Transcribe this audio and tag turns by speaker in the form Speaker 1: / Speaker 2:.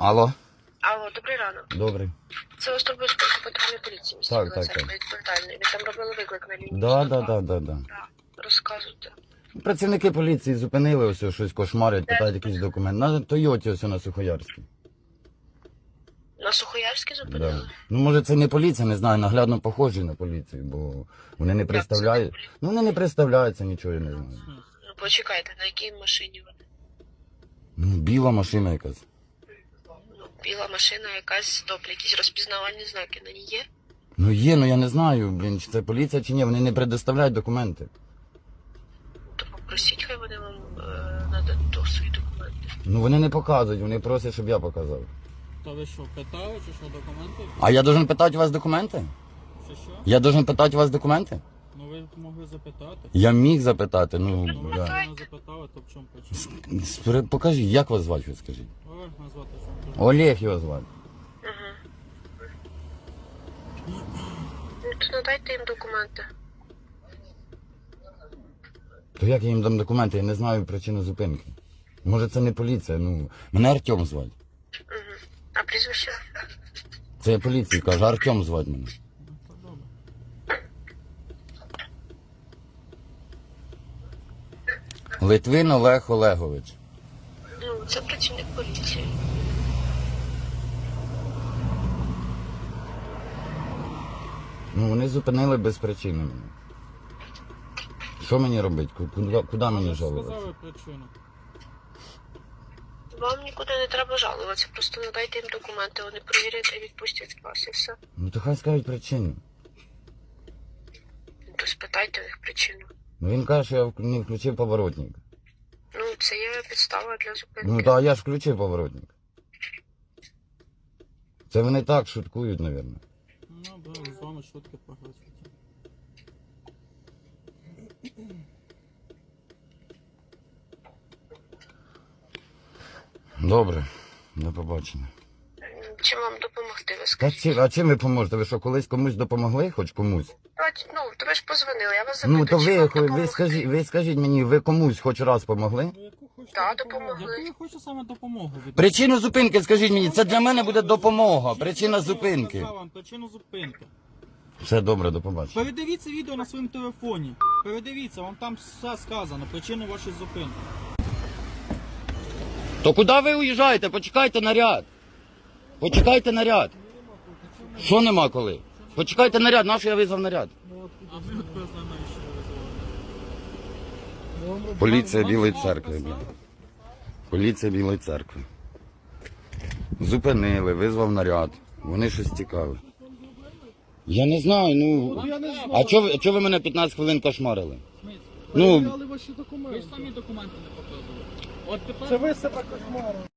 Speaker 1: Алло.
Speaker 2: Алло, добрий ранок.
Speaker 1: Добрий.
Speaker 2: Це вас турбує спілка патрульної поліції.
Speaker 1: Так, так, так.
Speaker 2: Відповідальний. Ви там робили виклик на лінії.
Speaker 1: Да.
Speaker 2: Розказуйте.
Speaker 1: Працівники поліції зупинили, ось щось кошмарять, питають якийсь документ. На Тойоті ось на Сухоярській.
Speaker 2: На Сухоярській
Speaker 1: Да.
Speaker 2: зупинили?
Speaker 1: Ну, може, це не поліція, не знаю, наглядно похожі на поліцію, бо вони не представляють. Ну, вони не представляються, нічого я не знаю.
Speaker 2: Ну, почекайте, на якій машині вони?
Speaker 1: Ну, біла машина якась.
Speaker 2: Ну, біла машина якась, добре, якісь розпізнавальні знаки на ній є?
Speaker 1: Ну є, ну я не знаю, блін, чи це поліція чи ні, вони не предоставляють документи.
Speaker 2: То попросіть, хай вони вам нададуть свої документи.
Speaker 1: Ну вони не показують, вони просять, щоб я показав.
Speaker 3: Та ви що, питали, чи що, документи?
Speaker 1: А я должен питати у вас документи?
Speaker 3: Чи що?
Speaker 1: Я должен питати у вас документи?
Speaker 3: Ну ви могли запитати.
Speaker 1: Я міг запитати, ну,
Speaker 3: Ну ви
Speaker 1: да.
Speaker 3: не запитали, то в чому причина?
Speaker 1: Покажіть, як вас звати, ви скажіть?
Speaker 3: Олег назвати що?
Speaker 1: Олег його звати.
Speaker 2: Угу. Ну, то надайте їм документи.
Speaker 1: То як я їм дам документи? Я не знаю причину зупинки. Може це не поліція, ну, мене Артем звати.
Speaker 2: Угу. А прізвище?
Speaker 1: Це я поліції кажу, Артем звати мене.
Speaker 3: Ну, це добре.
Speaker 1: Литвин Олег Олегович.
Speaker 2: Ну, це працівник поліції.
Speaker 1: Ну вони зупинили без причини мене. Що мені робити? Куди мені
Speaker 3: Ви ж
Speaker 1: жалуватися?
Speaker 3: сказали причину.
Speaker 2: Вам нікуди не треба жалуватися, просто надайте їм документи, вони перевірять і відпустять вас і все.
Speaker 1: Ну то хай скажуть причину.
Speaker 2: То спитайте у них причину.
Speaker 1: Ну він каже, що я не включив поворотник.
Speaker 2: Ну, це є підстава для зупинки.
Speaker 1: Ну та я ж включив поворотник. Це вони так шуткують, мабуть.
Speaker 3: Ну, да, з вами шутки пограти.
Speaker 1: Добре, до побачення.
Speaker 2: Чим вам допомогти, ви
Speaker 1: Та
Speaker 2: скажіть?
Speaker 1: а чим ви поможете? Ви що, колись комусь допомогли? Хоч комусь?
Speaker 2: Ну, то ви ж позвонили, я вас запитую,
Speaker 1: Ну то
Speaker 2: чим вам
Speaker 1: ви
Speaker 2: допомогти?
Speaker 1: ви скажіть мені, ви комусь хоч раз помогли?
Speaker 3: Ну, яку хочете
Speaker 2: Так,
Speaker 3: допомогу?
Speaker 2: допомогли.
Speaker 3: Яку я хочу саме допомогу від
Speaker 1: Причину зупинки скажіть мені, це для мене буде допомога. Причина зупинки.
Speaker 3: Я сказав вам причину зупинки.
Speaker 1: Все добре, до побачення.
Speaker 3: Передивіться відео на своєму телефоні. Передивіться, вам там все сказано, причину вашої зупинки.
Speaker 1: То куди ви уїжджаєте? Почекайте наряд. Почекайте наряд. Що нема коли? Почекайте наряд, нащо я визвав наряд?
Speaker 3: А ми от просто навіщо ви визивали?
Speaker 1: Поліція Білої церкви. Блін. Поліція Білої церкви. Зупинили, визвав наряд. Вони щось цікаве. Я не знаю, ну. А чого ви мене 15 хвилин кошмарили? Ну,
Speaker 3: Ви ж самі документи не показували. От тепер...
Speaker 4: Це ви себе кошмарили.